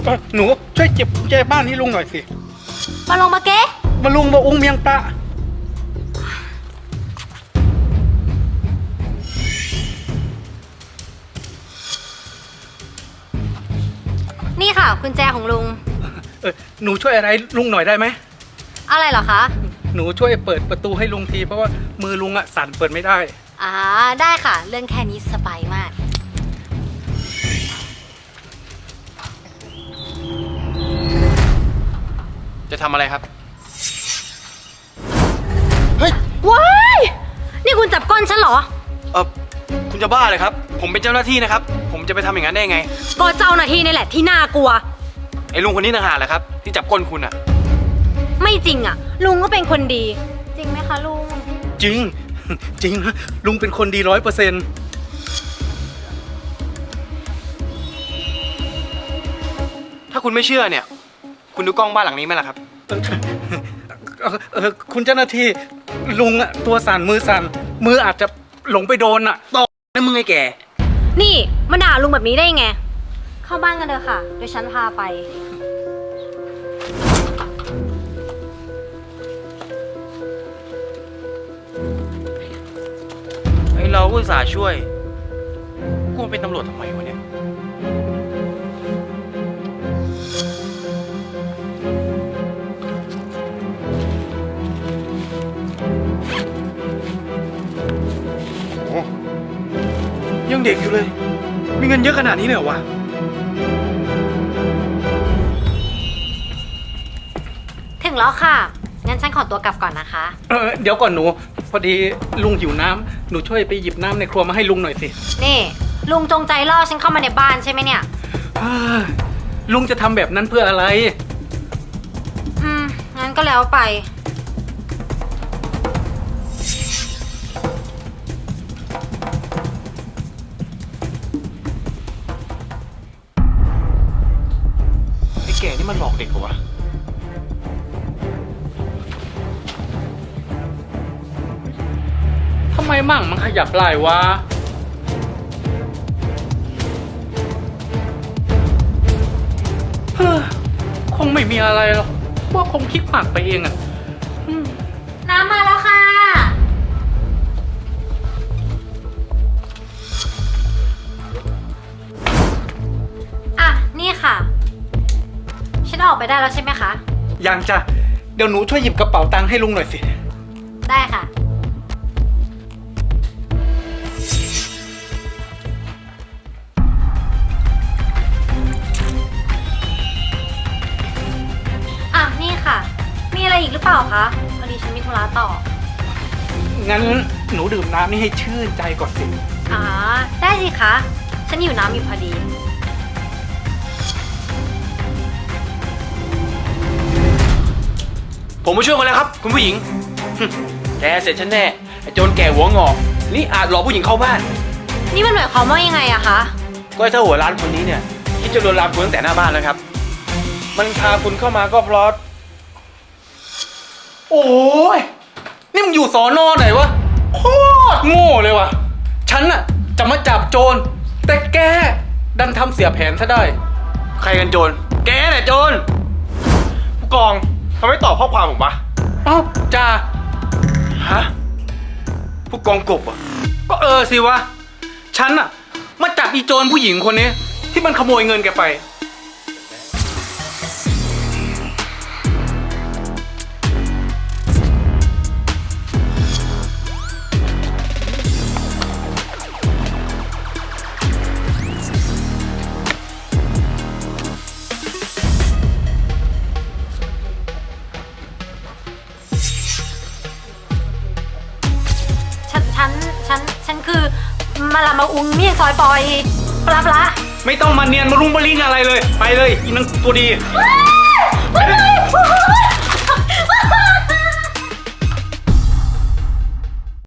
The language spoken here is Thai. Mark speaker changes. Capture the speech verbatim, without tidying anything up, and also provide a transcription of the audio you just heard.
Speaker 1: หนูช่วยเก็บกุญแจบ้านให้ลุงหน่อยสิ
Speaker 2: มาลงมาเก๊
Speaker 1: มาลุงมาอุ้งเมียงปลา
Speaker 2: นี่ค่ะกุญแจของลุง
Speaker 1: เออหนูช่วยอะไรลุงหน่อยได้ไหม
Speaker 2: อะไรเหรอคะ
Speaker 1: หนูช่วยเปิดประตูให้ลุงทีเพราะว่ามือลุงอะสั่นเปิดไม่ได้
Speaker 2: อ่าได้ค่ะเรื่องแค่นี้สบายมาก
Speaker 3: จะทำอะไรครับ
Speaker 2: เฮ้ยว้ายนี่คุณจับก้นฉันเหรอ
Speaker 3: เออคุณจะบ้าเลยครับผมเป็นเจ้าหน้าที่นะครับผมจะไปทำอย่างนั้นได้ไง
Speaker 2: ก็เจ้าหน้าที่นี่แหละที่น่ากลัว
Speaker 3: ไอ้ลุงคนนี้ต่างหากแหละครับที่จับก้นคุณอะ
Speaker 2: ไม่จริงอะลุงก็เป็นคนดีจริงไหมคะลุง
Speaker 1: จริงจริงนะลุงเป็นคนดีร้อยเปอร์เซ็นต์
Speaker 3: ถ้าคุณไม่เชื่อเนี่ยคุณดูกล้องบ้านหลังนี้ไหมล่ะครับ
Speaker 1: เออคุณเจ้าหน้าที่ลุงอะตัวสั่นมือสั่นมืออาจจะหลงไปโดนอะ
Speaker 3: ตอกนั่นมึงไอ้แก
Speaker 2: นี่มาด่าลุงแบบนี้ได้ไงเข้าบ้านกันเถอะค่ะเดี๋ยวฉันพาไป
Speaker 3: ไอ้เราอุตส่าห์ช่วยกูเป็นตำรวจทำไมวะเนี่ยยังเด็กอยู่เลยมีเงินเยอะขนาดนี้เลยเหรอวะ
Speaker 2: ถึงแล้วค่ะงั้นฉันขอตัวกลับก่อนนะคะ
Speaker 1: เออเดี๋ยวก่อนหนูพอดีลุงหิวน้ำหนูช่วยไปหยิบน้ำในครัวมาให้ลุงหน่อยสิ
Speaker 2: นี่ลุงจงใจล่อฉันเข้ามาในบ้านใช่ไหมเนี่ย
Speaker 1: ลุงจะทำแบบนั้นเพื่ออะไร
Speaker 2: อืมงั้นก็แล้วไป
Speaker 3: แกนี่มันหลอกเด็กเหรอวะ
Speaker 1: ทำไมมั่งมันขยับไหล่วะคงไม่มีอะไรหรอกว่าคงคิดมากไปเองอะ
Speaker 2: น้ำมาแล้วค่ะอ่ะนี่ค่ะฉันออกไปได้แล้วใช่ไหมคะ
Speaker 1: ยังจ้ะเดี๋ยวหนูช่วยหยิบกระเป๋าตังค์ให้ลุงหน่อยสิ
Speaker 2: ได้ค่ะอ่ะนี่ค่ะมีอะไรอีกหรือเปล่าคะพอดีฉันมีธุระต่อ
Speaker 1: งั้นหนูดื่มน้ำนี่ให้ชื่นใจก่อนสิ
Speaker 2: อ๋อได้สิคะฉันหิวน้ำอยู่พอดี
Speaker 3: ผมมาช่วยคนแล้วครับคุณผู้หญิงแกเสร็จฉันแน่ไอ้โจรแก่หัวงอกนี่อาจหลอกผู้หญิงเข้าบ้าน
Speaker 2: นี่มันหมายความว่ายังไงอะคะ
Speaker 3: ก็ไอ้เจ้าหัวร้านคนนี้เนี่ยคิดจะลวนลามคุณตั้งแต่หน้าบ้านแล้วครับมันพาคุณเข้ามาก็เพราะ
Speaker 1: โอ้ยนี่มึงอยู่สอนอไหนวะโคตรโง่เลยวะฉันน่ะจะมาจับโจรแต่แกดันทำเสียแผนซะได้
Speaker 3: ใครกันโจรแกแหละโจรผู้กองทำไมตอบข้อความผมวะ
Speaker 1: เอ้าจ่า
Speaker 3: ฮะผู้กองกบอ่ะ
Speaker 1: ก็เออสิวะฉันน่ะมาจับอีโจรผู้หญิงคนนี้ที่มันขโมยเงินแกไป
Speaker 2: ฉัน ฉัน ฉันคือมาละมาอุ้งเมี่ยงซอยปอยปลาปลา
Speaker 1: ไม่ต้องมาเนียนมารุมมาลิงอะไรเลยไปเลยอีนังตัวดี